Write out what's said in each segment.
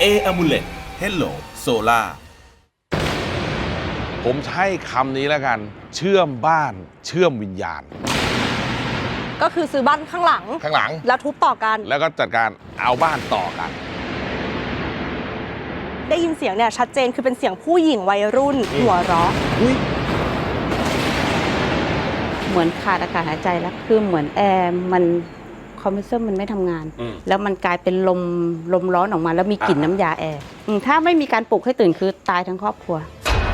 Amulet Hello Solar ผมใช้คำนี้แล้วกันเชื่อมบ้านเชื่อมวิญญาณก็คือซื้อบ้านข้างหลัง แล้วทุบต่อกันแล้วก็จัดการเอาบ้านต่อกันได้ยินเสียงเนี่ยชัดเจนคือเป็นเสียงผู้หญิงวัยรุ่นหัวเราะเหมือนขาดอากาศหายใจแล้วคือเหมือนแอร์มันคอมเพรสเซอร์มันไม่ทำงาน แล้วมันกลายเป็นลมร้อนออกมาแล้วมีกลิ่นน้ำยาแอร์ถ้าไม่มีการปลุกให้ตื่นคือตายทั้งครอบครัว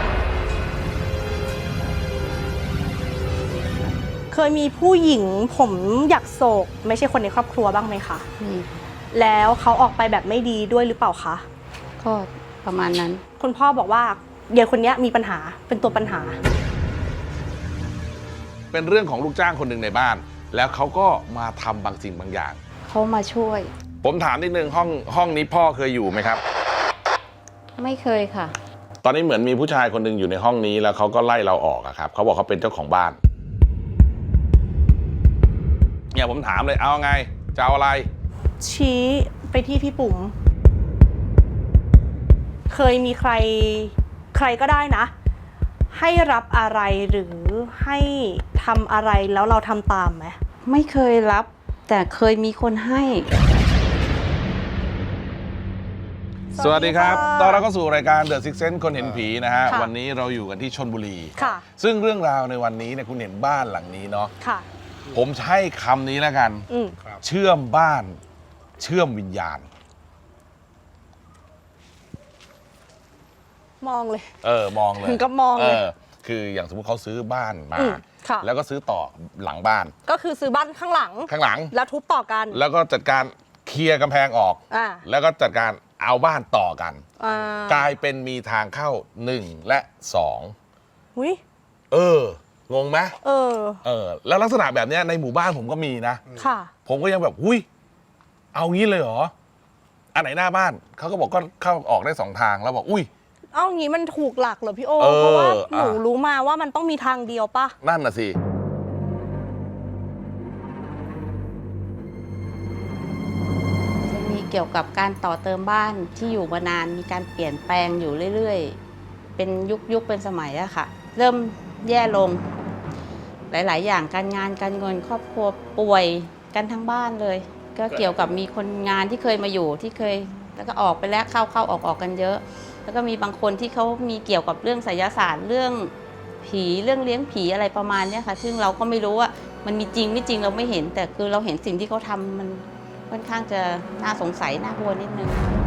เคยมีผู้หญิงผมอยากโศกไม่ใช่คนในครอบครัวบ้างไหมคะนี่แล้วเขาออกไปแบบไม่ดีด้วยหรือเปล่าคะก็ประมาณนั้นคุณพ่อบอกว่าเด็กคนนี้มีปัญหาเป็นตัวปัญหาเป็นเรื่องของลูกจ้างคนหนึ่งในบ้าน แล้วเขาก็มาทำบางสิ่งบางอย่างเขามาช่วยผมถามนิดนึงห้องนี้พ่อเคยอยู่ไหมครับไม่เคยค่ะตอนนี้เหมือนมีผู้ชายคนหนึ่งอยู่ในห้องนี้แล้วเขาก็ไล่เราออกอะครับเขาบอกเขาเป็นเจ้าของบ้านเนี่ยผมถามเลยเอาไงจะเอาอะไรชี้ไปที่พี่ปุ๋มเคยมีใครก็ได้นะ ให้รับอะไรหรือให้ทำอะไรแล้วเราทำตามไหมไม่เคยรับ แต่เคยมีคนให้สวัสดีครับตอนเราก็สู่รายการ The Six Sense คนเห็นผีนะฮะค่ะวันนี้เราอยู่กันที่ชลบุรีค่ะซึ่งเรื่องราวในวันนี้เนี่ยคุณเห็นบ้านหลังนี้เนาะค่ะผมใช้คำนี้แล้วกัน เชื่อมบ้านเชื่อมวิญญาณมองเลยมองเลยถึงกับมองเลยคืออย่างสมมติเขาซื้อบ้านมาค่ะแล้วก็ซื้อต่อหลังบ้านก็คือซื้อบ้านข้างหลัง แล้วทุบต่อกันแล้วก็จัดการเคลียร์กำแพงออกอ่าแล้วก็จัดการเอาบ้านต่อกันอ่ากลายเป็นมีทางเข้า1และ2 อุ้ยงงไหมแล้วลักษณะแบบเนี้ยในหมู่บ้านผมก็มีนะค่ะผมก็ยังแบบหุ้ยเอางี้เลยเหรออันไหนหน้าบ้านเขาก็บอกก็เข้าออกได้2 ทางแล้วบอกอุ้ยเอางี้มันถูกหลักเหรอพี่โอเออเพราะว่าหนูอ่ะรู้มาว่ามันต้องมีทางเดียวป่ะนั่นน่ะสิจะมีเกี่ยวกับการต่อเติมบ้านที่อยู่มานานมีการเปลี่ยนแปลงอยู่เรื่อยๆ เป็นยุคเป็นสมัยอะค่ะ เริ่มแย่ลง หลายๆ อย่างการงานการเงินครอบครัวป่วยกันทั้งบ้านเลย ก็เกี่ยวกับมีคนงานที่เคยมาอยู่ที่เคยแล้วก็ออกไปแล้วเข้าออกกันเยอะ แล้วก็มีบางคนที่เขามีเกี่ยวกับเรื่องไสยศาสตร์เรื่องผีเรื่องเลี้ยงผีอะไรประมาณนี้ค่ะ ซึ่งเราก็ไม่รู้ว่ามันมีจริงไม่จริงเราไม่เห็น แต่คือเราเห็นสิ่งที่เขาทำมันค่อนข้างจะน่าสงสัยน่ากลัวนิดนึง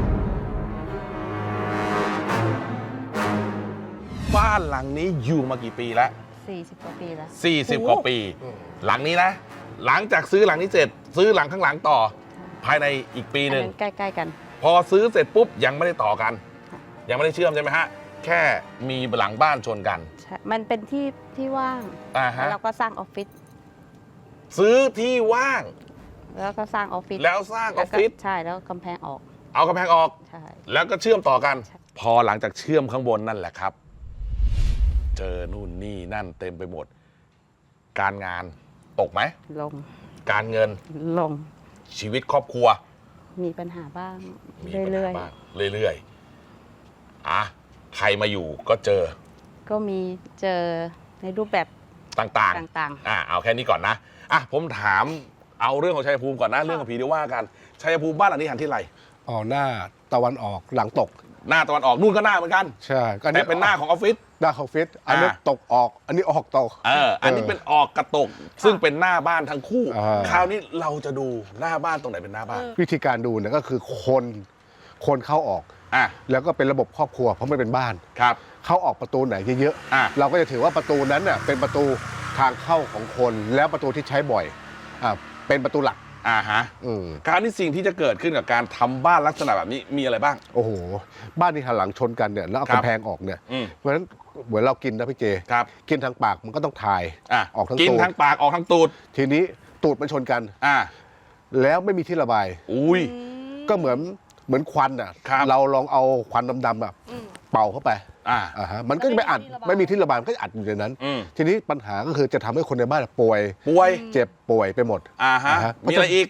บ้านหลังนี้อยู่มากี่ปีแล้ว 40 กว่าปีแล้ว 40 กว่าปี หลังนี้นะ หลังจากซื้อหลังนี้เสร็จ ซื้อหลังข้างหลังต่อ ภายในอีกปีหนึ่งใกล้ๆกันพอซื้อเสร็จปุ๊บยังไม่ได้ต่อกัน ยังไม่ได้เชื่อมใช่ไหมฮะแค่มีหลังบ้านชนกันใช่มันเป็นที่ว่างฮะแล้วเราก็สร้างออฟฟิศซื้อที่ว่างแล้วก็สร้างออฟฟิศแล้วสร้างออฟฟิศใช่แล้วกำแพงออกเอากำแพงออกใช่แล้วก็เชื่อมต่อกันใช่พอหลังจากเชื่อมข้างบนนั่นแหละครับ เจอนู่นนี่นั่นเต็มไปหมด การงานตกไหมลงการเงินลงชีวิตครอบครัวมีปัญหาบ้างมีปัญเรื่หาอยบ้างเรื่อยๆใครมาอยู่ก็เจอๆ ก็มีเจอในรูปแบบต่างต่างๆเอาแค่นี้ก่อนนะผมถามเอาเรื่องของชัยภูมิก่อนนะ เรื่องของผีเดี๋ยวว่ากันชัยภูมิบ้านหลังนี้หันที่ไรหน้าตะวันออกหลังตกหน้าตะวันออกนู่นก็หน้าเหมือนกันใช่ก็แต่เป็นหน้าของออฟฟิศหน้าของออฟฟิศอันนี้ตกออก อันนี้ออกตกอันนี้เป็นออกกระตก ซึ่งเป็นหน้าบ้านทั้งคู่อ่าคราวนี้เราจะดูหน้าบ้านตรงไหนเป็นหน้าบ้านวิธีการดูเนี่ยก็คือคนเข้าออก แล้วก็เป็นระบบครอบครัวเพราะมันเป็นบ้านครับเข้าออกประตูไหนเยอะอ่ะเราก็จะถือว่าประตูนั้นน่ะเป็นประตูทางเข้าของคนแล้วประตูที่ใช้บ่อยเป็นประตูหลักฮะอืมคราวนี้สิ่งที่จะเกิดขึ้นกับการทำบ้านลักษณะแบบนี้มีอะไรบ้างโอ้โหบ้านที่หันหลังชนกันเนี่ยแล้วเอาครับกำแพงออกเนี่ยอืมเพราะฉะนั้นเหมือนเรากินนะพี่เจครับกินทางปากมันก็ต้องถ่ายออกทั้งกินตูดทั้งปากออกทั้งตูดทีนี้ตูดมันชนกัน แล้วไม่มีที่ระบายอุ้ยก็เหมือนควันอ่ะครับเราลองเอาควันดำๆแบบเป่าเข้าไปมันก็จะไม่อัดไม่มีที่ระบายมันก็จะอัดอยู่ในนั้น ทีนี้ปัญหาก็คือจะทำให้คนในบ้านป่วย เจ็บป่วยไปหมดฮะมีอะไรอีก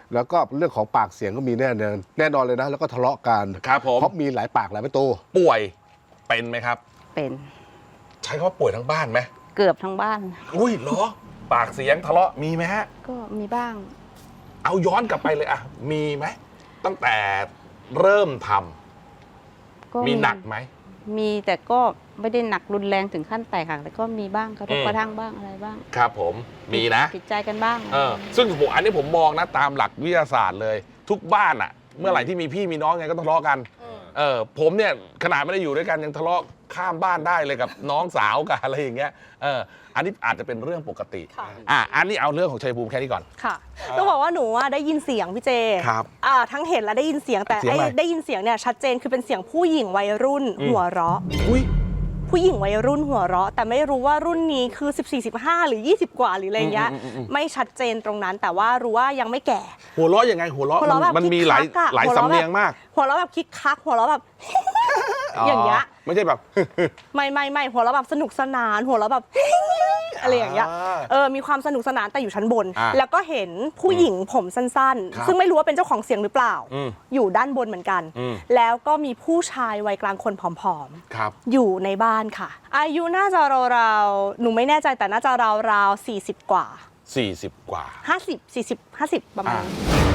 แล้วก็เรื่องของปากเสียงก็มีแน่นอนเลยนะแล้วก็ทะเลาะกันครับผมเพราะมีหลายปากหลายประตูป่วยเป็นไหมครับเป็นใช้คำว่าป่วยทั้งบ้านไหมเกือบทั้งบ้านอุ้ยเหรอ ปากเสียงทะเลาะมีไหมฮะก็มีบ้างเอาย้อนกลับไปเลยอะมีไหมตั้งแต่เริ่มทำก็มีหนักไหมมีแต่ก็ไม่ได้หนักรุนแรงถึงขั้นแตกหักแต่ก็มีบ้างกระทบกระทั่งบ้างอะไรบ้างครับผมมีนะผิดใจกันบ้างซึ่งผมอันนี้ผมมองนะตามหลักวิทยาศาสตร์เลย ทุกบ้านอะเมื่อไหร่ที่มีพี่มีน้องไงก็ทะเลาะกันผมเนี่ยขนาดไม่ได้อยู่ด้วยกันยังทะเลาะข้ามบ้านได้เลยกับน้องสาวกับอะไรอย่างเงี้ยอันนี้อาจจะเป็นเรื่องปกติค่ะอันนี้เอาเรื่องของชัยภูมิแค่นี้ก่อนค่ะต้องบอกว่าหนูได้ยินเสียงพี่เจครับทั้งเห็นและได้ยินเสียงแต่เสียงอะไรได้ยินเสียงเนี่ยชัดเจนคือเป็นเสียงผู้หญิงวัยรุ่นหัวเราะอุ้ยผู้หญิงวัยรุ่นหัวเราะแต่ไม่รู้ว่ารุ่นนี้คือ 14-15 หรือ 20 กว่าหรืออะไรเงี้ยไม่ชัดเจนตรงนั้นแต่ว่ารู้ว่ายังไม่แก่หัวเราะยังไงหัวเราะหัวเราะแบบมันมีหลายคิกคักอะหลายหัวเราะสำเนียงมากหัวเราะแบบคิกคักหัวเราะแบบ อย่างเงี้ยไม่ใช่แบบไม่หัวเราะแบบสนุกสนานหัวเราะแบบ อะไรอย่างเงี้ยมีความสนุกสนานแต่อยู่ชั้นบน แล้วก็เห็นผู้หญิงผมสั้นครับๆ ซึ่งไม่รู้ว่าเป็นเจ้าของเสียงหรือเปล่า อยู่ด้านบนเหมือนกัน แล้วก็มีผู้ชายวัยกลางคนผอมครับๆอยู่ในบ้านค่ะ อายุน่าจะราวๆหนูไม่แน่ใจแต่น่าจะราวๆ40 กว่า 40 กว่า 50 ประมาณ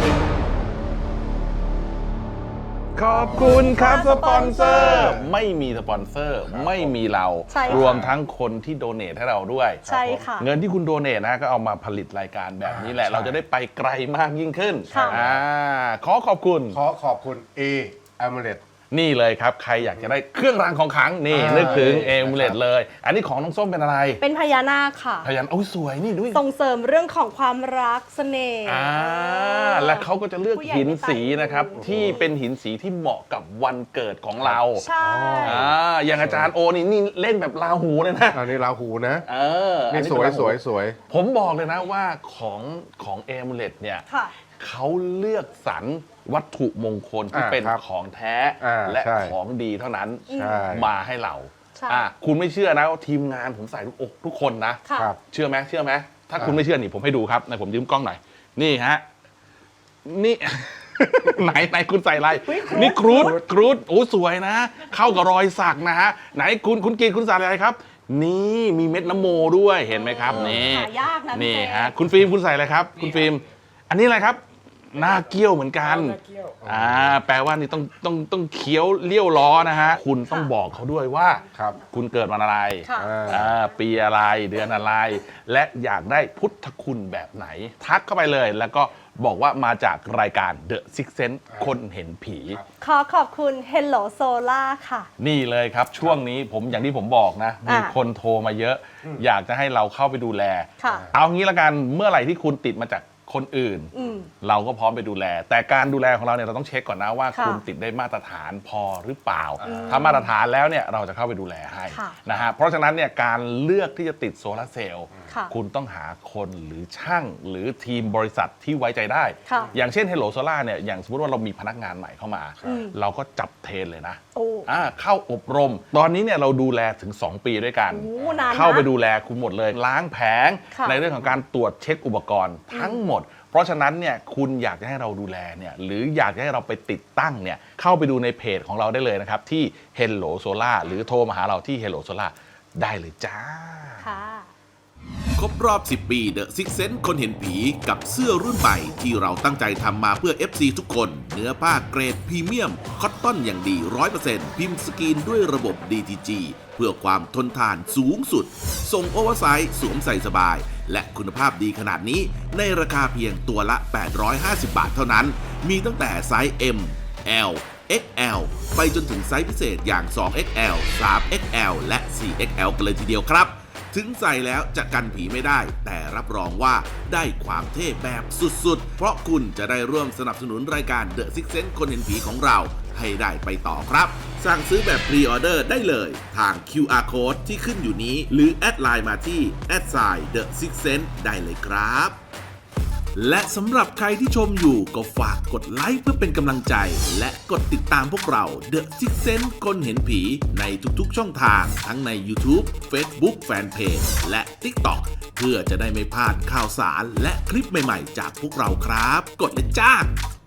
ขอบคุณครับสปอนเซอสปอนเซอร์ร์ไม่มีสปอนเซอร์ไม่มีเราใช่ค่ะรวมทั้งคนที่โดเนทให้เราด้วยใช่ค่ะเงินที่คุณโดเนทนะก็เอามาผลิตรายการแบบนี้แหละ เราจะได้ไปไกลมากยิ่งขึ้นค่ะขอขอบคุณขอขอบคุณ A a m u l e t นี่เลยครับ ใครอยากจะได้เครื่องรางของขลังนี่นึกถึงเอมูเลตเลย อันนี้ของน้องส้มเป็นอะไรเป็นพญานาคค่ะพยันโอ้ยสวยนี่ด้วยส่งเสริมเรื่องของความรักเสน่ห์และเขาก็จะเลือกผู้ใหญ่หินไม่ตายสีนะครับที่เป็นหินสีที่เหมาะกับวันเกิดของเราใช่อย่างอาจารย์โอนี่เล่นแบบราหูเลยนะอันนี้ราหูนะอันี่เป็สวยราหูสวยผมบอกเลยนะว่าของเอมูเลตเนี่ยค่ะเขาเลือกสรรวัตถุมงคลที่เป็นครับของแท้ และใช่ของดีเท่านั้นใช่มาให้เราใช่คุณไม่เชื่อนะว่าทีมงานผมใส่ทุกคนนะค่ะครับเชื่อไหมถ้าคุณไม่เชื่อนี่ผมให้ดูครับไหนผมยืมกล้องหน่อยนี่ฮะนี่ ไหนคุณใส่อะไรนี่ครูดโอ้สวยนะ เข้ากับรอยสักนะฮะไหนคุณกินคุณใส่อะไรครับ นี่มีเม็ดน้ำโมด้วยเห็นไหมครับนี่หายากนะพี่นี่เจฮะคุณฟิล์มคุณใส่อะไรครับ คุณฟิล์มอันนี้อะไรครับหน้าเกี้ยวเหมือนกันแปลว่านี่ต้องเคี้ยวเลี้ยวล้อนะฮะคุณต้องบอกเขาด้วยว่าครับคุณเกิดวันอะไรค่ะปีอะไรเดือนอะไร และอยากได้พุทธคุณแบบไหน ทักเข้าไปเลยแล้วก็บอกว่ามาจากรายการ The Six Sense คนเห็นผีขอขอบคุณ Hello Solar ค่ะนี่เลยครับช่วงนี้ผมอย่างที่ผมบอกนะ มีคนโทรมาเยอะ อยากจะให้เราเข้าไปดูแลค่ะเอางี้ละกันเมื่อไหร่ที่คุณติดมาจากคนอื่น เราก็พร้อมไปดูแล แต่การดูแลของเราเนี่ยเราต้องเช็คก่อนนะว่าค่ะคุณติดได้มาตรฐานพอหรือเปล่า ถ้ามาตรฐานแล้วเนี่ยเราจะเข้าไปดูแลให้ค่ะนะฮะเพราะฉะนั้นเนี่ยการเลือกที่จะติดโซลาร์เซลล์ค่ะคุณต้องหาคนหรือช่างหรือทีมบริษัทที่ไว้ใจได้ค่ะอย่างเช่น Hello Solar เนี่ยอย่างสมมติว่าเรามีพนักงานใหม่เข้ามา เราก็จับเทรนเลยนะโอ้เข้าอบรม ตอนนี้เนี่ยเราดูแลถึง 2 ปีด้วยกันโอ้นานนะเข้าไปดูแลคุณหมดเลย ล้างแผงค่ะในเรื่องของการตรวจเช็คอุปกรณ์ทั้งหมด เพราะฉะนั้นเนี่ยคุณอยากจะให้เราดูแลเนี่ยหรืออยากจะให้เราไปติดตั้งเนี่ยเข้าไปดูในเพจของเราได้เลยนะครับ ที่ Hello Solar หรือโทรมาหาเราที่ Hello Solar ได้เลยจ้าค่ะครบรอบ 10 ปี The Six Sense คนเห็นผีกับเสื้อรุ่นใหม่ที่เราตั้งใจทำมาเพื่อ FC ทุกคน เนื้อผ้าเกรดพรีเมียม คอตตอนอย่างดี 100% พิมพ์สกรีนด้วยระบบ DTG เพื่อความทนทานสูงสุด ส่งโอเวอร์ไซส์สวมใส่สบาย และคุณภาพดีขนาดนี้ในราคาเพียงตัวละ 850 บาทเท่านั้น มีตั้งแต่ไซส์ M L XL ไปจนถึงไซส์พิเศษอย่าง 2XL 3XL และ 4XL กันเลยทีเดียวครับ ถึงใส่แล้วจะกันผีไม่ได้ แต่รับรองว่าได้ความเท่แบบสุดๆ เพราะคุณจะได้ร่วมสนับสนุนรายการ The Six Sense คนเห็นผีของเราให้ได้ไปต่อครับ สั่งซื้อแบบพรีออเดอร์ได้เลยทาง QR Code ที่ขึ้นอยู่นี้ หรือแอดไลน์มาที่ @The Six Sense ได้เลยครับและสำหรับใครที่ชมอยู่ก็ฝากกดไลค์เพื่อเป็นกำลังใจ และกดติดตามพวกเรา The Six Sense คนเห็นผีในทุกๆช่องทางทั้งใน YouTube Facebook Fanpage และ TikTok เพื่อจะได้ไม่พลาดข่าวสารและคลิปใหม่ๆจากพวกเราครับ กดเลยจ้า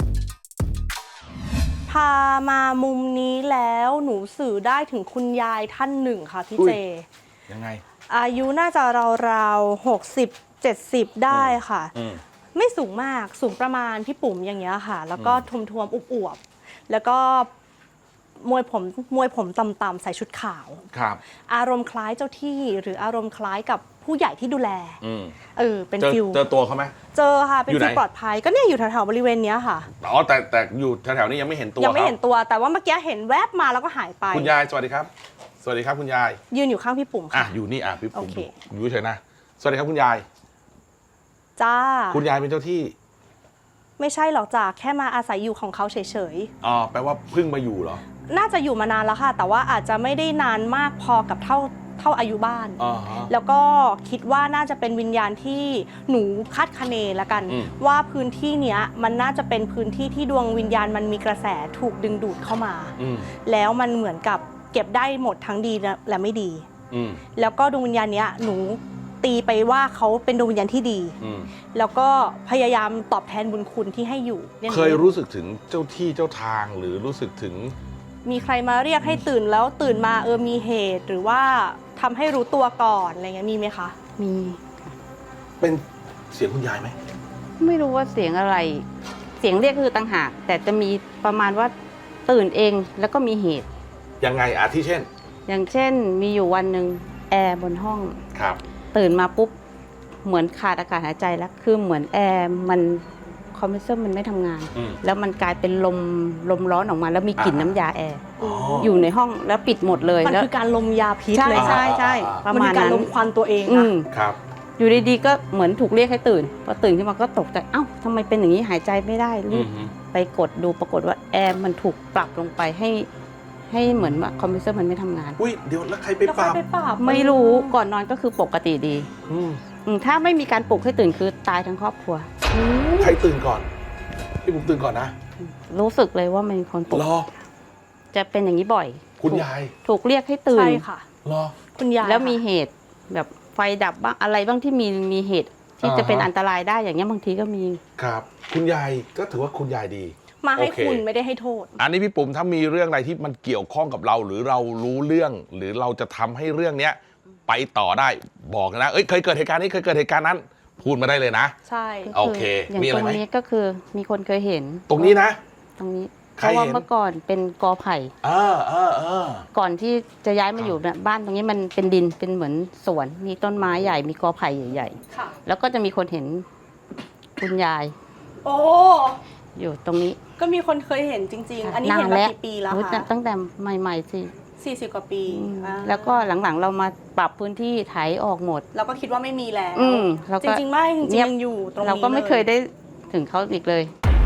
พามามุมนี้แล้วหนูสื่อได้ถึงคุณยายท่านหนึ่งค่ะพี่เจยังไงอายุน่าจะราวๆ60-70 ได้ค่ะ ไม่สูงมากสูงประมาณพี่ปุ๋มอย่างเงี้ยค่ะ แล้วก็ทวมๆอวบๆแล้วก็มวยผมต่ำๆใส่ชุดขาวครับอารมณ์คล้ายเจ้าที่หรืออารมณ์คล้ายกับผู้ใหญ่ที่ดูแลเป็นฟิลเจอตัวเขาไหมเจอค่ะเป็นอยู่ไหนฟิลปลอดภัยก็เนี่ยอยู่แถวๆบริเวณเนี้ยค่ะอ๋อแต่อยู่แถวๆนี้ยังไม่เห็นตัวยังไม่ขาเห็นตัวแต่ว่าเมื่อกี้เห็นแวบมาแล้วก็หายไปคุณยายสวัสดีครับ สวัสดีครับคุณยายยืนอยู่ข้างพี่ปุ๋มอ่ะค่ะอยู่นี่พี่ผมโอเคอยู่เฉยๆนะสวัสดีครับคุณยายจ้าคุณยายเป็นเจ้าที่ไม่ใช่หรอกจ้าแค่มาอาศัยอยู่ของเขาเฉยอ๋อแปลว่าเพิ่งมาอยู่เหรอๆน่าจะอยู่มานานแล้วค่ะ แต่ว่าอาจจะไม่ได้นานมากพอกับเท่าอายุบ้านอ๋อฮะแล้วก็คิดว่าน่าจะเป็นวิญญาณที่หนูคาดคะเนละกัน ว่าพื้นที่เนี้ยมันน่าจะเป็นพื้นที่ที่ดวงวิญญาณมันมีกระแสถูกดึงดูดเข้ามา แล้วมันเหมือนกับเก็บได้หมดทั้งดีและไม่ดี แล้วก็ดวงวิญญาณเนี้ยหนูตีไปว่าเขาเป็นดวงวิญญาณที่ดี แล้วก็พยายามตอบแทนบุญคุณที่ให้อยู่นี่เคยรู้สึกถึงเจ้าที่เจ้าทางหรือรู้สึกถึงมีใครมาเรียกให้ตื่นแล้วตื่นมามีเหตุหรือว่าทำให้รู้ตัวก่อนอะไรเงี้ยมีไหมคะมีค่ะเป็นเสียงคุณยายไหมไม่รู้ว่าเสียงอะไร เสียงเรียกคือต่างหากแต่จะมีประมาณว่าตื่นเองแล้วก็มีเหตุยังไงที่เช่นอย่างเช่นมีอยู่วันหนึ่งแอร์บนห้องครับตื่นมาปุ๊บเหมือนขาดอากาศหายใจแล้วคือเหมือนแอร์มันคอมเพรสเซอร์มันไม่ทำงาน แล้วมันกลายเป็นลมร้อนออกมาแล้วมีกลิ่นน้ำยาแอร์อยู่ในห้องแล้วปิดหมดเลยมันแล้วคือการลมยาพิษใช่เลยใช่ประมันมาคืณอการนั้นลมควันตัวเองอืนะมครับอยู่ดีๆก็เหมือนถูกเรียกให้ตื่นพอตื่นขึ้นมาก็ตกใจเอ้าทำไมเป็นอย่างนี้หายใจไม่ได้รีบไปกดดูปรากฏว่าแอร์มันถูกปรับลงไปให้เหมือนว่าคอมเพรสเซอร์มันไม่ทำงานอุ้ยเดี๋ยวแล้วใครไปแล้วปค่อรัยบไปปราบไม่รู้ก่อนนอนก็คือปกติดี ถ้าไม่มีการปลุกให้ตื่นคือตายทั้งครอบครัวใครตื่นก่อนพี่ผมตื่นก่อนนะรู้สึกเลยว่ามันมีคนปลุกรอจะเป็นอย่างนี้บ่อยคุณยายถูกเรียกให้ตื่นใช่ค่ะรอคุณยายแล้วมีค่ะเหตุแบบไฟดับบ้างอะไรบ้างที่มีเหตุที่จะเป็นอันตรายได้อย่างเงี้ยบางทีก็มีครับ คุณยายก็ถือว่าคุณยายดีมาให้โอเคคุณไม่ได้ให้โทษอันนี้พี่ปุ๋มถ้ามีเรื่องอะไรที่มันเกี่ยวข้องกับเรา หรือเรารู้เรื่อง หรือเราจะทำให้เรื่องเนี้ยไปต่อได้บอกนะเคยเกิดเหตุการณ์นี้เคยเกิดเหตุการณ์นั้น พูดมาได้เลยนะใช่โอเคอย่างมีอะไรตรงไหมนี้ก็คือมีคนเคยเห็นตรงนี้นะตรงนี้ใคเพรราะว่าเห็นเมื่อก่อนเป็นกอไผ่ ก่อนที่จะย้ายมาอยู่เนี่ยบ้านตรงนี้มันเป็นดินเป็นเหมือนสวนมีต้นไม้ใหญ่มีกอไผ่ใหญ่ค่ะๆแล้วก็จะมีคนเห็นคุณยายโอ้อยู่ตรงนี้ก็มีคนเคยเห็นจริง ๆ อันนี้เห็นมากี่ปีแล้วรู้คะตั้งแต่ใหม่ๆสิ 40 กว่าปีแล้วก็หลังๆเรามาปรับพื้นที่ไถออกหมดเราก็คิดว่าไม่มีแล้วแล้วจก็ริงๆไม่จริงเงียบๆยังอยู่ตรงนี้เราก็ไม่เคยลได้ถึงเขาอีกเลย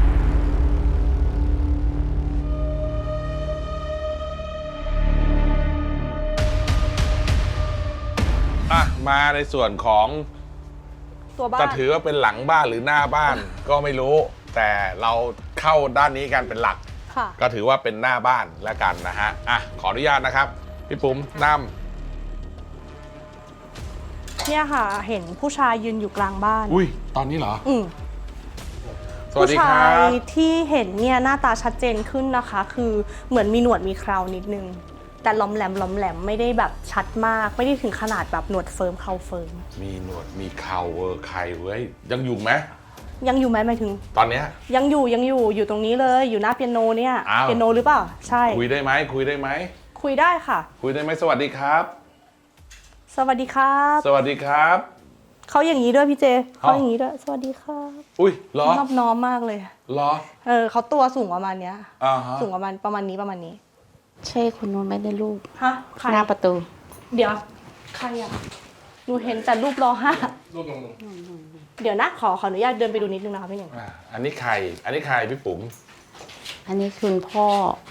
มาในส่วนของตัวบ้าจะนถือว่าเป็นหลังบ้านหรือหน้าบ้านก็ไม่รู้ แต่เราเข้าด้านนี้กันเป็นหลักค่ะก็ถือว่าเป็นหน้าบ้านแล้วกันนะฮะขออนุญาตนะครับพี่ปุ๋มนเนี่ยค่ะ เห็นผู้ชายยืนอยู่กลางบ้านำอุ้ยตอนนี้เหรออืมสวัสผู้ดีคชารัยบที่เห็นเนี่ยหน้าตาชัดเจนขึ้นนะคะ คือเหมือนมีหนวดมีเครานิดนึง แต่ล้อมแหลมไม่ได้แบบชัดมาก ไม่ได้ถึงขนาดแบบหนวดเฟิร์มเขาเฟิร์มมีหนวดมีเข่าใครเว้ยยังอยู่ไหมยังอยู่ไหมหมายถึงตอนเนี้ยยังอยู่ตรงนี้เลย อยู่หน้าเปียโนเนี่ยอ้าวเปียโนหรือเปล่า ใช่คุยได้ไหมคุยได้ไหมคุยได้ค่ะคุยได้ไหมสวัสดีครับสวัสดีครับสวัสดีครับเขาอย่างนี้ด้วยพี่เจอ๋อเขาอย่างนี้ด้วย สวัสดีครับอุ้ยเหรอนอบน้อมมากเลยเหรอเขาตัวสูงประมาณเนี้ยฮะสูงประมาณนี้ใช่คนนู้นไม่ได้รูปฮะ ใครหน้าประตูเดี๋ยว ใครอ่ะ หนูเห็นแต่รูปรอห้ารูปลงเดี๋ยวนะขออนุญาตเดินไปดูนิดนึงนะคะพี่หนึ่งอันนี้ใครพี่ปุ๋มอันนี้คุณพ่อ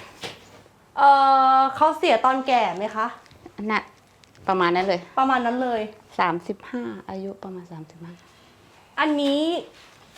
เขาเสียตอนแก่ไหมคะน่ะประมาณนั้นเลยประมาณนั้นเลย 35อายุประมาณ35 อันนี้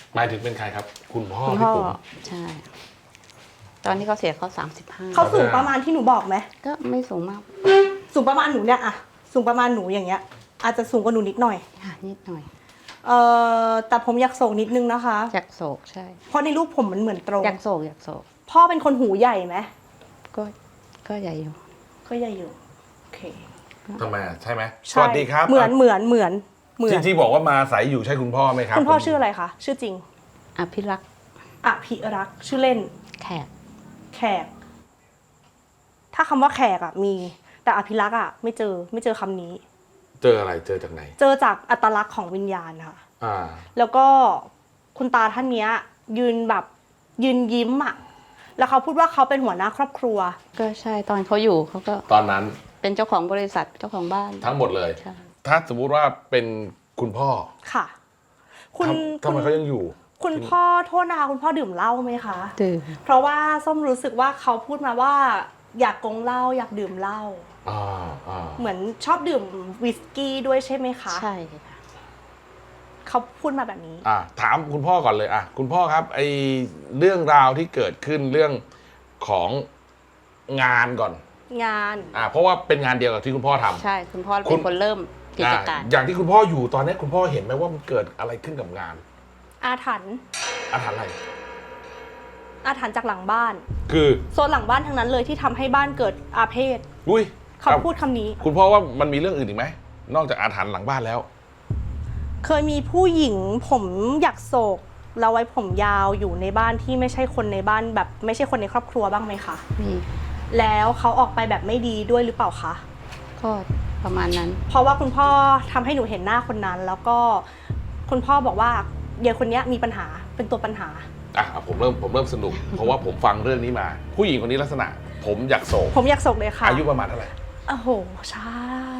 หมายถึงเป็นใครครับ คุณพ่อคุณพี่พ่อปุ๋มใช่ ตอนที่เขาเสียเขาเขาสูงประมาณที่หนูบอกไหม 35ก็ไม่สูงมากสูงประมาณหนูเนี่ยอะสูงประมาณหนูอย่างเงี้ย อาจจะสูงกว่าหนูนิดหน่อยค่ะนิดหน่อยแต่ผมอยากโศกนิดนึงนะคะอยากโศกใช่เพราะในรูปผมมันเหมือนตรงอยากโศกพ่อเป็นคนหูใหญ่ไหมก็ใหญ่อยู่ก็ใหญ่อยู่โอเคทำไมใช่ไหมสใช่วัสดีครับเหมือนที่บอกว่ามาอาศัยอยู่ใช่คุณพ่อไหมครับคุณพ่อชื่ออะไรคะชื่อจริงอภิรักษ์อภิรักษ์ชื่อเล่นแขกแขก ถ้าคำว่าแขกอะมี แต่อภิรักษ์อะไม่เจอคำนี้เจออะไรเจอจากไหนเจอจากอัตลักษณ์ของวิญญาณค่ะอ่าแล้วก็คุณตาท่านเนี้ยยืนยิ้มอะแล้วเขาพูดว่าเขาเป็นหัวหน้าครอบครัวก็ใช่ตอนเขาอยู่เขาก็ตอนนั้นเป็นเจ้าของบริษัทเจ้าของบ้านทั้งหมดเลยใช่ถ้าสมมุติว่าเป็นคุณพ่อค่ะทำไมเขายังอยู่คุณพ่อโทษนะคะคุณพ่อดื่มเหล้าไหมคะดื่มเพราะว่าส้มรู้สึกว่าเขาพูดมาว่า อยากกงเหล้าอยากดื่มเหล้า เหมือนชอบดื่มวิสกี้ด้วยใช่ไหมคะใช่ค่ะเขาพูดมาแบบนี้ถามคุณพ่อก่อนเลยคุณพ่อครับไอเรื่องราวที่เกิดขึ้นเรื่องของงานก่อนงานเพราะว่าเป็นงานเดียวกับที่คุณพ่อทำใช่คุณพ่อเป็นคนเริ่มกิจการอย่างที่คุณพ่ออยู่ตอนนี้คุณพ่อเห็นไหมว่ามันเกิดอะไรขึ้นกับงานอาถรรพ์อาถรรพ์อะไรอาถรรพ์จากหลังบ้านคือโซนหลังบ้านทั้งนั้นเลยที่ทำให้บ้านเกิดอาเพศอุ้ยเขาพูดคำนี้คุณพ่อว่ามันมีเรื่องอื่นอีกไหมนอกจากอาถรรพ์หลังบ้านแล้วเคยมีผู้หญิงผมอยากโศกแล้วไว้ผมยาวอยู่ในบ้านที่ไม่ใช่คนในบ้านแบบไม่ใช่คนในครอบครัวบ้างไหมคะมีแล้วเขาออกไปแบบไม่ดีด้วยหรือเปล่าคะก็ประมาณนั้นเพราะว่าคุณพ่อทำให้หนูเห็นหน้าคนนั้น แล้วก็คุณพ่อบอกว่าเดี๋ยวคนนี้มีปัญหาเป็นตัวปัญหาผมเริ่มสนุก เพราะว่าผมฟังเรื่องนี้มา ผู้หญิงคนนี้ลักษณะ ผมอยากโศกผมอยากโศกเลยค่ะอายุประมาณเท่าไหร่โอ้โหชา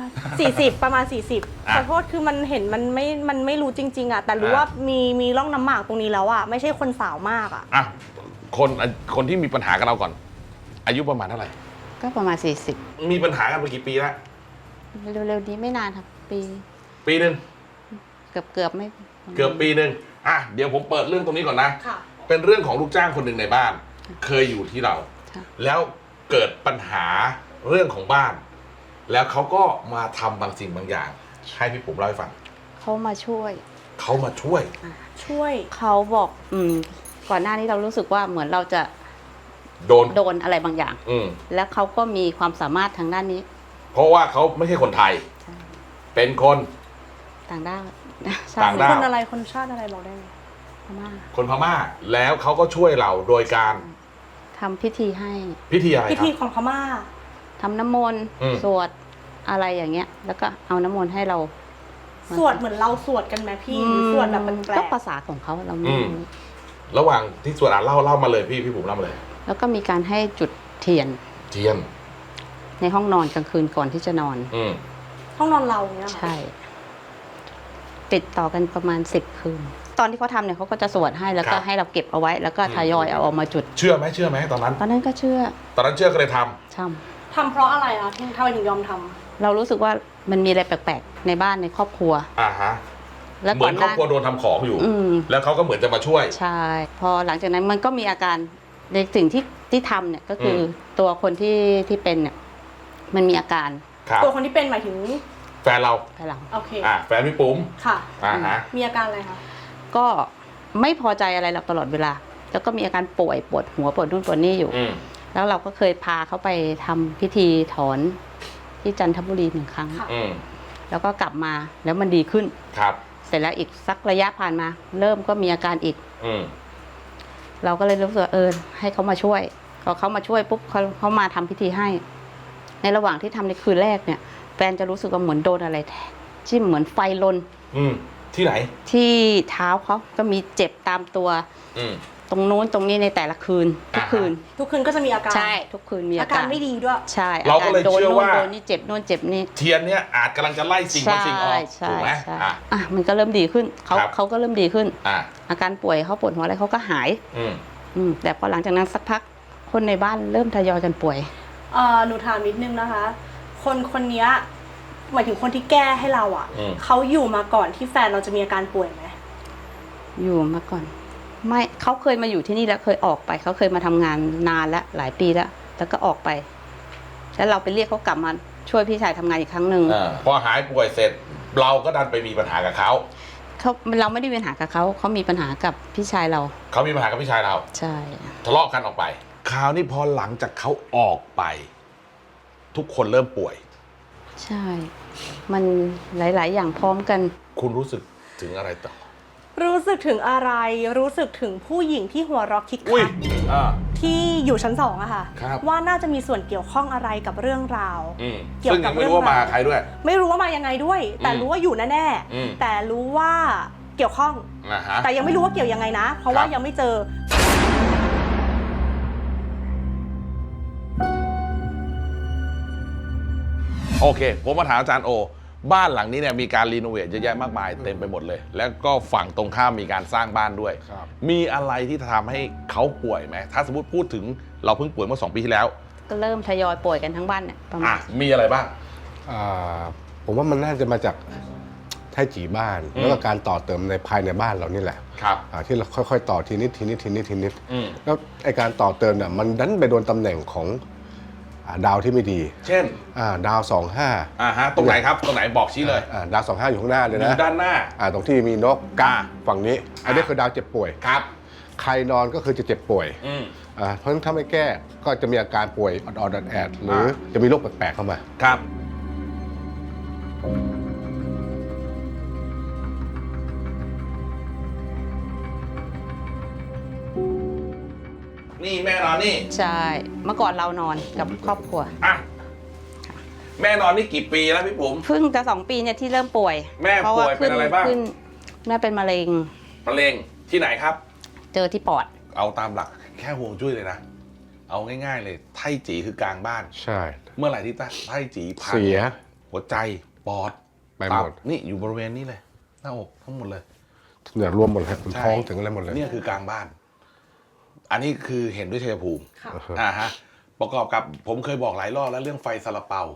40 ประมาณ 40ขอโทษคือมันเห็นมันไม่รู้จริงๆอะแต่รู้ว่ามีร่องน้ำหมากตรงนี้แล้วอะไม่ใช่คนสาวมากอะคนที่มีปัญหากับเราก่อน อายุประมาณเท่าไหร่ก็ประมาณมีปัญหากันมากี่ปีแล้ว 40เร็วๆนี้ไม่นานครับปีหนึ่งเกือบไม่เกือบปีหนึ่งเดี๋ยวผมเปิดเรื่องตรงนี้ก่อนนะค่ะเป็นเรื่องของลูกจ้างคนหนึ่งในบ้าน เคยอยู่ที่เรา แล้วเกิดปัญหาเรื่องของบ้าน แล้วเขาก็มาทำบางสิ่งบางอย่าง ให้พี่ปุ๋มเล่าให้ฟังเขามาช่วยเขามาช่วยเขาบอกก่อนหน้านี้เรารู้สึกว่าเหมือนเราจะโดนอะไรบางอย่าง แล้วเขาก็มีความสามารถทางด้านนี้เพราะว่าเขาไม่ใช่คนไทยใช่เป็นคนต่างด้าวต่างด้าวคนอะไรคนชาติอะไรบอกได้ไหมพม่าคนพม่า แล้วเขาก็ช่วยเราโดยการทำพิธีให้พิธีอะไรพิครัธีบของพม่าทำน้ำมนต์ สวดอะไรอย่างเงี้ย แล้วก็เอาน้ำมนต์ให้เราสวดเหมือนเราสวดกันไหมพี่หรือสวดแบบแปลก็กภาษาของเขาเราไม่รู้ระหว่างที่สวดเล่ามาเลยพี่ปุ๋มเล่ามาเลยแล้วก็มีการให้จุดเทียนเทียนในห้องนอนกลางคืนก่อนที่จะนอนห้องนอนเราเนี่ยเหรอใช่ ติดต่อกันประมาณ10 คืน ตอนที่เขาทำเนี่ยเขาก็จะสวดให้แล้วก็ให้เราเก็บเอาไว้ แล้วก็ทยอยเอาออกมาจุดเชื่อไหมตอนนั้นตอนนั้นก็เชื่อตอนนั้นเชื่อก็เลยทำช่ทำเพราะอะไรคะทำไมถึงยอมทำำเรารู้สึกว่ามันมีอะไรแปลกๆในบ้านในครอบครัวฮะแล้วเหมือนครอบครัวโดนทำของอยู่ แล้วเขาก็เหมือนจะมาช่วยใช่ พอหลังจากนั้นมันก็มีอาการในสิ่งที่ทำเนี่ยก็คือตัวคนที่เป็นเนี่ยมันมีอาการครับตัวคนที่เป็นหมายถึงแฟนเราภายหลังโอเคแฟนพี่ปุ๋มค่ะฮะมีอาการอะไรคะก็ไม่พอใจอะไรเราตลอดเวลา แล้วก็มีอาการป่วยปวดหัวปวดนู่นปวดนี่อยู่ แล้วเราก็เคยพาเขาไปทำพิธีถอนที่จันทบุรี1 ครั้งค่ะแล้วก็กลับมาแล้วมันดีขึ้นครับเสร็จแล้วอีกสักระยะผ่านมา เริ่มก็มีอาการอีก เราก็เลยรู้สึกว่าให้เขามาช่วยพอเขามาช่วยปุ๊บเขามาทำพิธีให้ ในระหว่างที่ทำในคืนแรกเนี่ยแฟนจะรู้สึกว่าเหมือนโดนอะไรจิ้มเหมือนไฟลนที่ไหนที่เท้าเขาก็มีเจ็บตามตัว ตรงนู้นตรงนี้ในแต่ละคืนทุกคืนทุกคืนก็จะมีอาการใช่ทุกคืนมีอาอาการการไม่ดีด้วยใช่เราก็เลยโดนเชื่อนู่นว่าโดนนี่เจ็บนู่นเจ็บนี่เทียนเนี่ยอาจกำลังจะไล่สิ่งบางสิ่งออกใช่ถูกไหมใช่มันก็เริ่มดีขึ้นเขาก็เริ่มดีขึ้น อาการป่วยเขาปวดหัวอะไรเขาก็หายแต่พอหลังจากนั้นสักพักคนในบ้านเริ่มทยอยกันป่วยหนูถามนิดนึงนะคะ คนนี้หมายถึงคนที่แก้ให้เราอ่ะเขาอยู่มาก่อนที่แฟนเราจะมีอาการป่วยไหมอยู่มาก่อนไม่เขาเคยมาอยู่ที่นี่แล้วเคยออกไปเขาเคยมาทำงานนานแล้วหลายปีแล้วก็ออกไปแล้วเราไปเรียกเขากลับมาช่วยพี่ชายทำงานอีกครั้งหนึ่งพอหายป่วยเสร็จ เราก็ดันไปมีปัญหากับเขาเราไม่ได้มีปัญหากับเขามีปัญหากับพี่ชายเราเขามีปัญหากับพี่ชายเราใช่ทะเลาะกันออกไปคราวนี้พอหลังจากเขาออกไป ทุกคนเริ่มป่วยใช่ มันหลาย ๆ อย่างพร้อมกันคุณรู้สึกถึงอะไรต่อรู้สึกถึงอะไรรู้สึกถึงผู้หญิงที่หัวเราะคิกอุ้ยคักที่อยู่ชั้น2อะค่ะครับว่าน่าจะมีส่วนเกี่ยวข้องอะไรกับเรื่องราว เกี่ยวซึ่งกัยับงไม่รู้ว่ามาใครด้วยไม่รู้ว่ามายังไงด้วย แต่ รู้ว่าอยู่แน่อืมๆแต่รู้ว่าเกี่ยวข้องนะฮะแต่ยังไม่รู้ว่าเกี่ยวยังไงนะ เพราะว่าครับยังไม่เจอโอเค ผมมาถามอาจารย์โอ บ้านหลังนี้เนี่ยมีการรีโนเวทเยอะแยะมากมายเต็มไปหมดเลย แล้วก็ฝั่งตรงข้ามมีการสร้างบ้านด้วยครับมีอะไรที่ทำให้เขาป่วยไหมถ้าสมมติพูดถึงเราเพิ่งป่วยเมื่อ2 ปีที่แล้วก็เริ่มทยอยป่วยกันทั้งบ้านเนี่ยประมาณมีอะไรบ้างผมว่ามันน่าจะมาจากไทจีบ้าน แล้วก็การต่อเติมในภายในบ้านเรานี่แหละครับที่เราค่อยๆ ต่อทีนิดทีนิดทีนิดทีนิดอืมแล้วไอการต่อเติมเนี่ยมันดันไปโดนตำแหน่งของดาวที่ไม่ดีเช่นดาว25 ฮะตรงไหนครับตรงไหนบอกชี้เลยดาว25อยู่ข้างหน้าเลยอนะยู่ด้านหน้าตรงที่มีนกกาฝั่งนี้ อันนี้คือดาวเจ็บป่วยครับใครนอนก็คือจะเจ็บป่วยอืมเพราะฉะนั้นถ้าไม่แก้ก็จะมีอาการป่วยออดๆแอดๆหรือจะมีโรคแปลกๆเข้ามาครับ นี่แม่นอนนี่ใช่ เมื่อก่อนเรานอนกับครอบครัวอ่ะแม่นอนนี่กี่ปีแล้วพี่ปุ๋มเพิ่งจะ2 ปีเนี่ยที่เริ่มป่วยแม่พราะว่าป่วยเป็นอะไรบ้างขึ้นแม่เป็นมะเร็งมะเร็งที่ไหนครับเจอที่ปอดเอาตามหลักแค่ห่วงจุ้ยเลยนะ เอาง่ายๆเลยไท่จีคือกลางบ้านใช่เมื่อไหร่ที่ไท่จีพังเสียหัวใจปอดไปหมดตับนี่อยู่บริเวณนี้เลย หน้าอกทั้งหมดเลยเนี่ยรวมหมดเลยคุณใช่ท้องถึงอะไรหมดเลยเนี่ยคือกลางบ้าน อันนี้คือเห็นด้วยชัยภูมิค่ะฮะ ประกอบกับผมเคยบอกหลายรอบแล้วเรื่องไฟซาลาเปา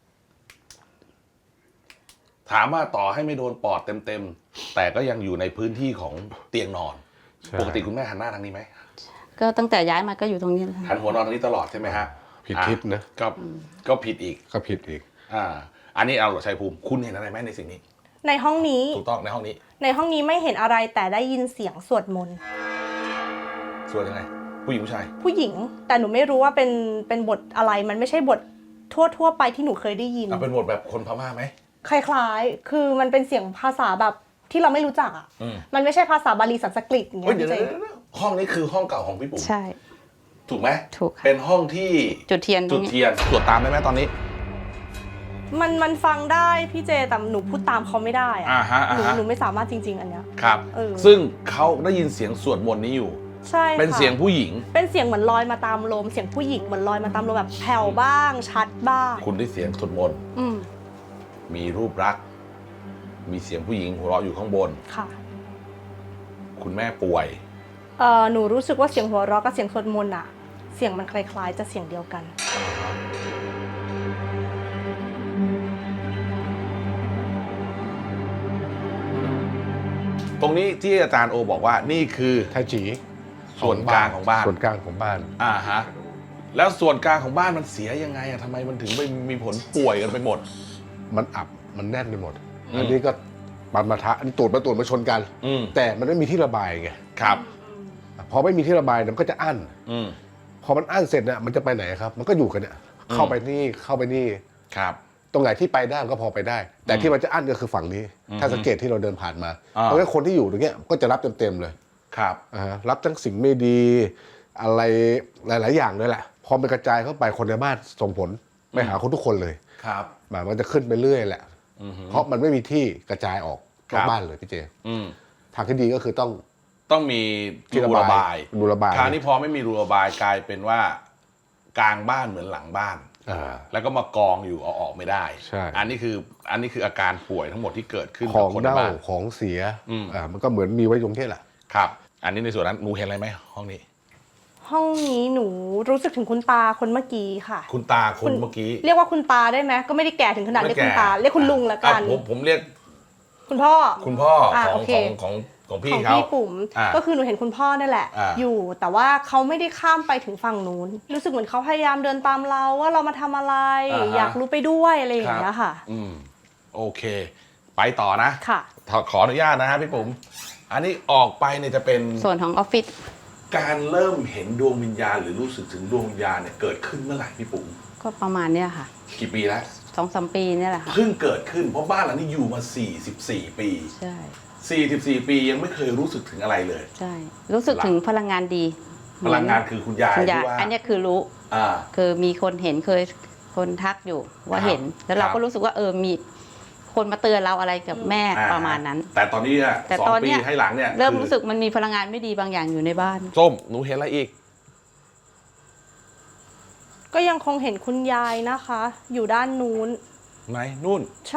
ถามว่าต่อให้ไม่โดนปอดเต็มๆ แต่ก็ยังอยู่ในพื้นที่ของเตียงนอนใช่ปกติคุณแม่หันหน้าทางนี้ไหมก็ตั้งแต่ย้ายมาก็อยู่ตรงนี้แล้วหันหัวนอนทางนี้ตลอดใช่ไหมฮะผิดทิศนะก็ผิดอีกก็ผิดอีกอันนี้เอาหรอชัยภูมิ คุณเห็นอะไรไหมในสิ่งนี้ในห้องนี้ถูกต้องในห้องนี้ในห้องนี้ไม่เห็นอะไรแต่ได้ยินเสียงสวดมนต์ส่วนยังไง ผู้หญิงผู้ชายผู้หญิง แต่หนูไม่รู้ว่าเป็นบทอะไรมันไม่ใช่บททั่วไปที่หนูเคยได้ยินเป็นบทแบบคนพม่าไหมคล้ายๆ คือมันเป็นเสียงภาษาแบบที่เราไม่รู้จักอ่ะอืมมันไม่ใช่ภาษาบาลีสันสกฤตอย่างเงี้เฮ้ยยเดี๋ยวเจ๊ห้องนี้คือห้องเก่าของพี่ปุ๋มใช่ถูกไหมถูกค่ะเป็นห้องที่จุดเทียนตรจุงดนี้เทียนตรวจตามได้ไหมตอนนี้มันฟังได้พี่เจแต่หนูพูดตามเขาไม่ได้อะ หนูไม่สามารถจริง ๆ อันเนี้ยครับเออซึ่งเขาได้ยินเสียงสวดมนต์นี้อยู่ใช่ค่ะเป็นเสียงผู้หญิงเป็นเสียงเหมือนลอยมาตามลมเสียงผู้หญิงเหมือนลอยมาตามลมแบบแผ่วบ้างชัดบ้างคุณได้เสียงสวดมนต์อืมมีรูปรักษณ์มีเสียงผู้หญิงหัวเราะอยู่ข้างบนค่ะคุณแม่ป่วยหนูรู้สึกว่าเสียงหัวเราะกับเสียงสวดมนต์อะเสียงมันคล้ายๆจะเสียงเดียวกันตรงนี้ที่อาจารย์โอบอกว่านี่คือไทจีส่วนกลางของบ้านส่วนกลางของบ้านแล้วส่วนกลางของบ้านมันเสียยังไงอะทำไมมันถึงไปมีผลป่วยกันไปหมดมันอับมันแน่นไปหมดอืมอันนี้ก็ปานมาทะอันนี้ตูดมาชนกันอืมแต่มันไม่มีที่ระบายไงครับพอไม่มีที่ระบายเนี่ยมันก็จะอั้นอืมพอมันอั้นเสร็จเนี่ยมันจะไปไหนครับ มันก็อยู่กันเนี่ยเข้าไปนี่เข้าไปนี่ครับตรงไหนที่ไปได้มันก็พอไปได้ แต่ที่มันจะอั้นก็คือฝั่งนี้อืมถ้าสังเกตที่เราเดินผ่านมาอ่าเพราะฉะนั้นคนที่อยู่ตรงเนี้ยก็จะรับเต็มๆเลยครับรับทั้งสิ่งไม่ดี อะไรหลาย ๆ อย่างเลยแหละ พอมันกระจายเข้าไปคนในบ้านส่งผลไปหาคนทุกคนเลยครับมันจะขึ้นไปเรื่อยแหละอือฮึเพราะมันไม่มีที่กระจายออกครันอบ กบ้านเลยพี่เจอืมทางที่ดีก็คือต้องต้องมีที่รูระบายรูระบายคราวนี้พอไม่มีรูระบายกลายเป็นว่ากลางบ้านเหมือนหลังบ้าน แล้วก็มากองอยู่เอาออกไม่ได้ใช่อันนี้คืออาการป่วยทั้งหมดที่เกิดขึ้นขกัอบ งคนในเน่าบ้านของเสียอืมมันก็เหมือนมีไว้ตรงนี้แหละครับ อันนี้ในส่วนนั้นหนูเห็นอะไรไหมห้องนี้ห้องนี้หนูรู้สึกถึงคุณตาคนเมื่อกี้ค่ะคุณตาคนเมื่อกี้เรียกว่าคุณตาได้ไหมก็ไม่ได้แก่ถึงขนาดเรียกคุณตาเรียกคุณลุงละกันผมเรียกคุณพ่อคุณพ่ออ่าขโอองเคของของขพี่องเขาพี่ปุ๋มอ่าก็คือหนูเห็นคุณพ่อนั่นแหละอ่าอยู่ แต่ว่าเขาไม่ได้ข้ามไปถึงฝั่งนู้น รู้สึกเหมือนเขาพยายามเดินตามเราว่าเรามาทำอะไร อยากรู้ไปด้วยอะไรอย่างเงี้ยค่ะโอเค ไปต่อนะค่ะขออนุญาตนะฮะพี่ปุ๋มอันนี้ออกไปเนี่ยจะเป็นส่วนของออฟฟิศการเริ่มเห็นดวงวิญญาณหรือรู้สึกถึงดวงวิญญาณเนี่ยเกิดขึ้นเมื่อไหร่พี่ปุ๋มก็ประมาณเนี้ยค่ะกี่ปีแล้ว 2-3 ปีเนี่ยแหละค่ะเพิ่งเกิดขึ้นเพราะบ้านหลังนี้อยู่มา 44 ปีใช่ 44 ปียังไม่เคยรู้สึกถึงอะไรเลยใช่ รู้สึกถึงพลังงานดีพลังงานคือคุณยายคุณยายที่ว่าอันเนี้ยคือรู้อ่าคือมีคนเห็นเคยคนทักอยู่ว่าครับเห็น แล้วเราครัก็บรู้สึกว่ามีคนมาเตือนเราอะไรกับแม่ประมาณนั้นแต่ตอนนี้เนี่ยแต่สองตอนปีเนี้ยให้หลังเนี่ยเริ่มคือรู้สึกมันมีพลังงานไม่ดีบางอย่างอยู่ในบ้านส้มหนูเห็นอะไรอีกก็ยังคงเห็นคุณยายนะคะ อยู่ด้านนู้นไหนนู่นใช่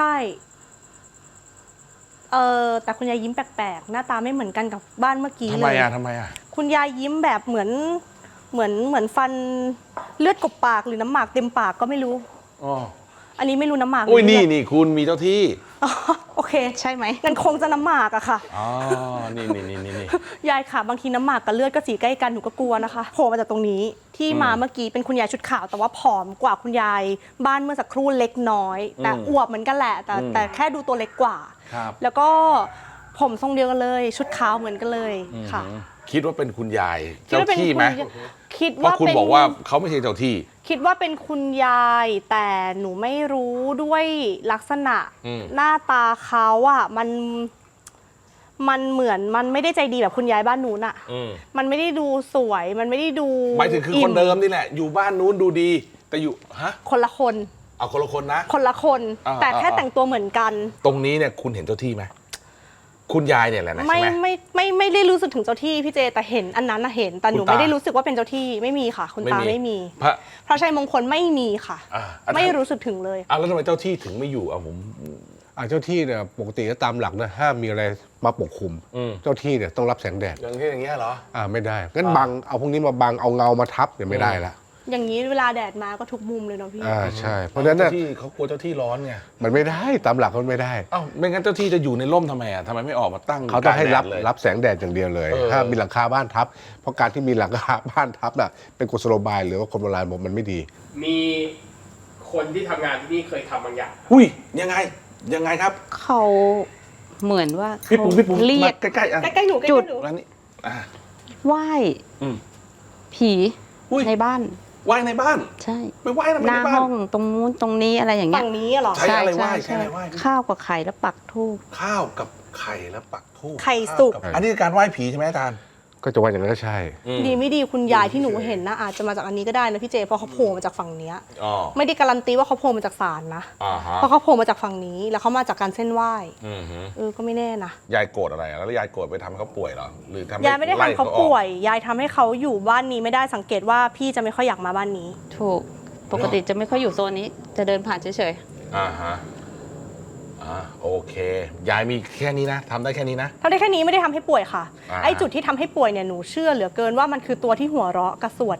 แต่คุณยายยิ้มแปลกๆ หน้าตาไม่เหมือนกันกับบ้านเมื่อกี้ทำเลไมยทำไมอ่ะคุณยายยิ้มแบบเหมือนฟันเลือดกบปากหรือน้ำหมากเต็มปากก็ไม่รู้อ๋ออันนี้ไม่รู้น้ำหมากอุ้ยหรือนี่เลือดนี่คุณมีเจ้าที่อ๋อโอเคใช่ไหมงั้นคงจะน้ำหมากอะค่ะอ๋อ นี่นี่นี่นี่ยายค่ะบางทีน้ำหมากกับเลือดก็สีใกล้กันหนูก็กลัวนะคะโผล่มาจากตรงนี้ที่มาเมื่อกี้เป็นคุณยายชุดขาวแต่ว่าผอมกว่าคุณยายบ้านเมื่อสักครู่เล็กน้อย แต่อวบเหมือนกันแหละแต่แค่ดูตัวเล็กกว่าครับแล้วก็ผมทรงเดียวกันเลย ชุดขาวเหมือนกันเลยค่ะคิดว่าเป็นคุณยายคิดเจ้าว่าเป็นที่ไหมคิดเพราะว่าคุณเป็นบอกว่าเขาไม่ใช่เจ้าที่คิดว่าเป็นคุณยายแต่หนูไม่รู้ด้วยลักษณะ หน้าตาเขาอะมันเหมือนมันไม่ได้ใจดีแบบคุณยายบ้านนู้นอะมันไม่ได้ดูสวยมันไม่ได้ดูหมายถึงคือคนเดิมนี่แหละ อยู่บ้านนู้นดูดี แต่อยู่ฮะคนละคนเอาคนละคนนะคนละคนอ่าแต่แค่อ่าแต่งตัวเหมือนกันตรงนี้เนี่ยคุณเห็นเจ้าที่ไหมคุณยายเนี่ยแหละนะไม่ใช่ไหมไม่ได้รู้สึกถึงเจ้าที่พี่เจแต่เห็นอันนั้นนะเห็นแต่หนูคุณตาไม่ได้รู้สึกว่าเป็นเจ้าที่ไม่มีค่ะ คุณตาไม่มีพระพระชัยมงคลไม่มีค่ะอ่าไม่รู้สึกถึงเลยแล้วทำไมเจ้าที่ถึงไม่อยู่เอาผมเจ้าที่เนี่ยปกติก็ตามหลักนะห้ามมีอะไรมาปกคลุม เจ้าที่เนี่ยต้องรับแสงแดดอย่างเงี้ยเหรอไม่ได้งั้นบังเอาพวกนี้มาบังเอาเงามาทับเนี่ยไม่ได้ละอย่างนี้เวลาแดดมาก็ทุกมุมเลยเนาะพี่ใช่เพราะฉะนั้นเจ้าน่ะที่เขากลัวเจ้าที่ร้อนไงมันไม่ได้ตามหลักมันไม่ได้เอ้าไม่งั้นเจ้าที่จะอยู่ในร่มทำไมอ่ะทำไมไม่ออกมาตั้งเขาต้องให้กลงแดดเลยรับแสงแดดอย่างเดียวเลยเออถ้ามีหลังคาบ้านทับ เพราะการที่มีหลังคาบ้านทับน่ะเป็นกุศโลบายหรือว่าคนโบราณบอกมันไม่ดีมีคนที่ทำงานที่นี่เคยทำบางอย่างอุ้ยยังไงครับเขาเหมือนว่าพี่เขาปุ๋มเรียกมาใกล้ๆอ่ะใกล้ๆหนูใกล้จุดๆหนูร้านนี้อ่ะไหว้อืมผีอุ้ยในบ้านไหว้ในบ้านใช่ไปไหว้ทำไมหน้าในบ้าห้นองตรงนู้นตรงนี้อะไรอย่างเงี้ยฝั่งนี้เหรอใช่อะไรไหว้ใช่อะไรไหว้ข้าวกับไข่แล้วปักธูปข้าวกับไข่และปักธูปไข่สุกข้าวบอันนี้คือการไหว้ผีใช่ไหมอาจารย์ก็จะว่าอย่างนั้นก็ใช่ดีไม่ดีคุณยายที่หนูเห็นนะอาจจะมาจากอันนี้ก็ได้นะพี่เจเพราะเขาโผล่มาจากฝั่งเนี้ยอ๋อไม่ได้การันตีว่าเขาโผล่มาจากศาลนะอ่าฮะเพราะเขาโผล่มาจากฝั่งนี้แล้วเขามาจากการเส้นไหว้อือฮึก็ไม่แน่นะยายโกรธอะไรอ่ะแล้วยายโกรธไปทำให้เขาป่วยเหรอหรือทำให้ยายไม่ได้ล่ทำเขาออกป่วย ยายทำให้เขาอยู่บ้านนี้ไม่ได้สังเกตว่าพี่จะไม่ค่อยอยากมาบ้านนี้ถูก ปกติจะไม่ค่อยอยู่โซนนี้ จะเดินผ่านเฉยอ่าฮะโอเค ยายมีแค่นี้นะทำได้แค่นี้นะทำได้แค่นี้ไม่ได้ทำให้ป่วยค่ะอ่าไอ้จุดที่ทำให้ป่วยเนี่ยหนูเชื่อเหลือเกินว่ามันคือตัวที่หัวเราะกระสวด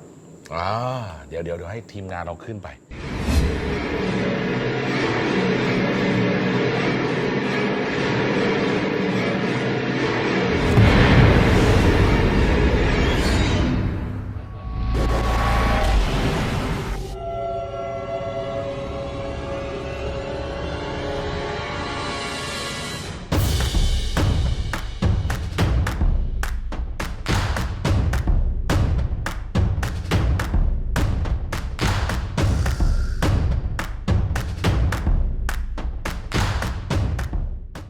เดี๋ยวให้ทีมงานเราขึ้นไป